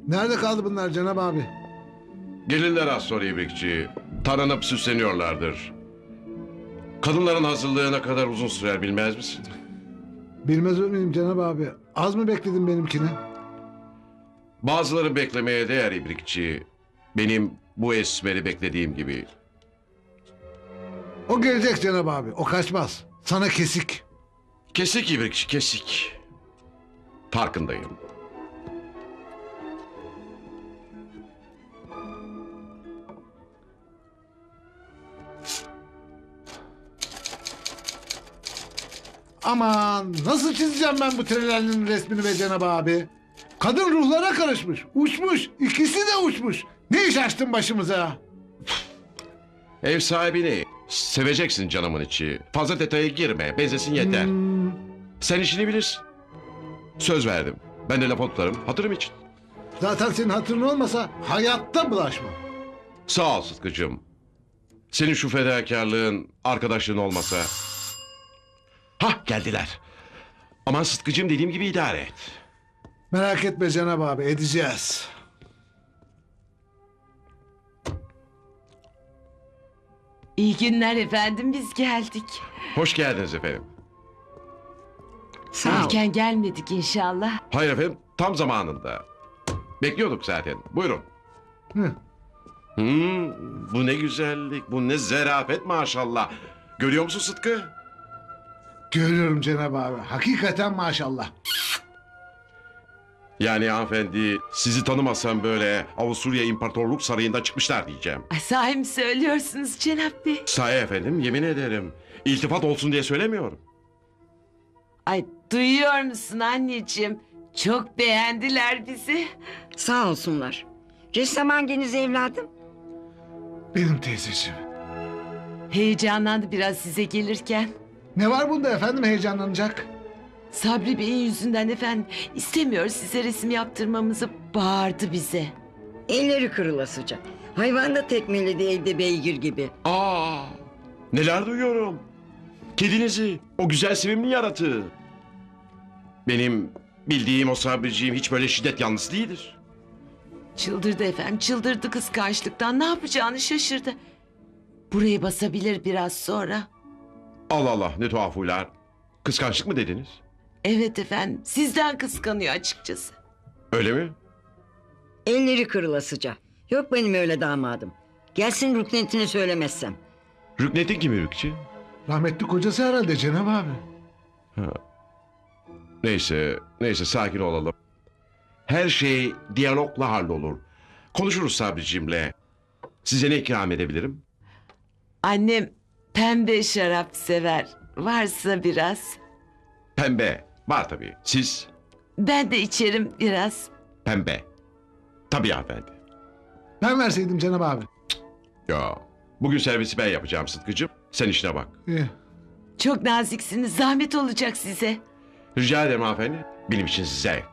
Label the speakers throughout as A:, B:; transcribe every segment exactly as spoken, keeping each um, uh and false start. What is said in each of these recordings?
A: Nerede kaldı bunlar Cenab abi?
B: Gelirler az sonra İbrikçi. Taranıp süsleniyorlardır. Kadınların hazırlığı ne kadar uzun sürer bilmez misin?
A: Bilmez miyim Cenab abi? Az mı bekledin benimkini?
B: Bazıları beklemeye değer İbrikçi. Benim bu esmeri beklediğim gibi.
A: O gelecek Cenab abi. O kaçmaz. Sana kesik.
B: Kesik İbrikçi, kesik. Farkındayım.
A: Aman nasıl çizeceğim ben bu trelerinin resmini be Cenab abi? Kadın ruhlara karışmış. Uçmuş. İkisi de uçmuş. Ne iş açtın başımıza?
B: Ev sahibini seveceksin canımın içi. Fazla detaya girme. Benzesin yeter.
A: Hmm,
B: Sen işini bilirsin. Söz verdim. Ben de laf tutarım. Hatırım için.
A: zaten senin hatırın olmasa hayatta bulaşma.
B: Sağ ol Sıtkı'cığım. Senin şu fedakarlığın, arkadaşlığın olmasa... Hah geldiler. Aman Sıtkı'cığım dediğim gibi idare et.
A: Merak etme Cenab abi edeceğiz.
C: İyi günler efendim, biz geldik.
B: Hoş geldiniz efendim.
D: Sağ ol.
C: Erken gelmedik inşallah.
B: Hayır efendim tam zamanında. Bekliyorduk zaten. Buyurun.
A: Hı.
B: Hmm, bu ne güzellik, bu ne zarafet maşallah. Görüyor musun Sıtkı?
A: Görüyorum Cenab abi. Hakikaten maşallah.
B: Yani hanımefendi sizi tanımasam böyle Avusturya İmparatorluk Sarayı'ndan çıkmışlar diyeceğim.
C: Ay, sahi mi söylüyorsunuz Cenap Bey?
B: Sahi efendim yemin ederim. İltifat olsun diye söylemiyorum.
C: Ay, duyuyor musun anneciğim? Çok beğendiler bizi.
D: Sağ olsunlar. Ressam hanginiz evladım?
A: Benim teyzeciğim.
C: Heyecanlandı biraz size gelirken.
A: Ne var bunda efendim heyecanlanacak?
C: Sabri Bey'in yüzünden efendim istemiyor size resim yaptırmamızı, bağırdı bize.
D: Elleri kırılasıca. Hayvan da tekmeledi evde beygir gibi.
B: Aa, neler duyuyorum. Kedinizi, o güzel sevimli yaratığı. Benim bildiğim o Sabriciğim hiç böyle şiddet yanlısı değildir.
C: Çıldırdı efendim, çıldırdı kıskançlıktan, ne yapacağını şaşırdı. Burayı basabilir biraz sonra.
B: Allah Allah ne tuhaf huylar. Kıskançlık mı dediniz?
C: Evet efendim, sizden kıskanıyor açıkçası.
B: Öyle mi?
D: Elleri kırılasıca. Yok benim öyle damadım. Gelsin rüknetini söylemezsem.
B: Rüknetin kimi Rükçü?
A: Rahmetli kocası herhalde Cenab abi.
B: Neyse, neyse sakin olalım. Her şey diyalogla hallolur. Konuşuruz Sabriciğimle. Size ne ikram edebilirim?
C: Annem pembe şarap sever. Varsa biraz.
B: Pembe. Var tabii. Siz?
C: Ben de içerim biraz.
B: Pembe. Tabii hanımefendi.
A: Ben verseydim Cenab abi.
B: Ya, bugün servisi ben yapacağım Sıtkı'cığım. Sen işine bak.
A: İyi.
C: Çok naziksiniz. Zahmet olacak size.
B: Rica ederim hanımefendi. Benim için zevk.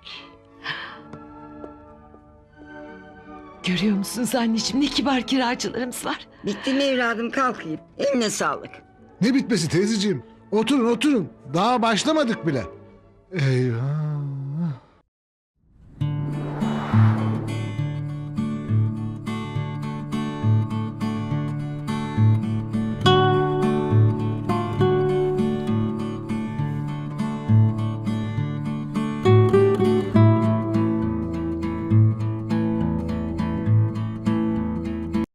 C: Görüyor musunuz anneciğim, ne kibar kiracılarımız var.
D: Bitti mi evladım, kalkayım. Eline sağlık.
A: Ne bitmesi teyzeciğim? Oturun oturun. Daha başlamadık bile. Eyvah.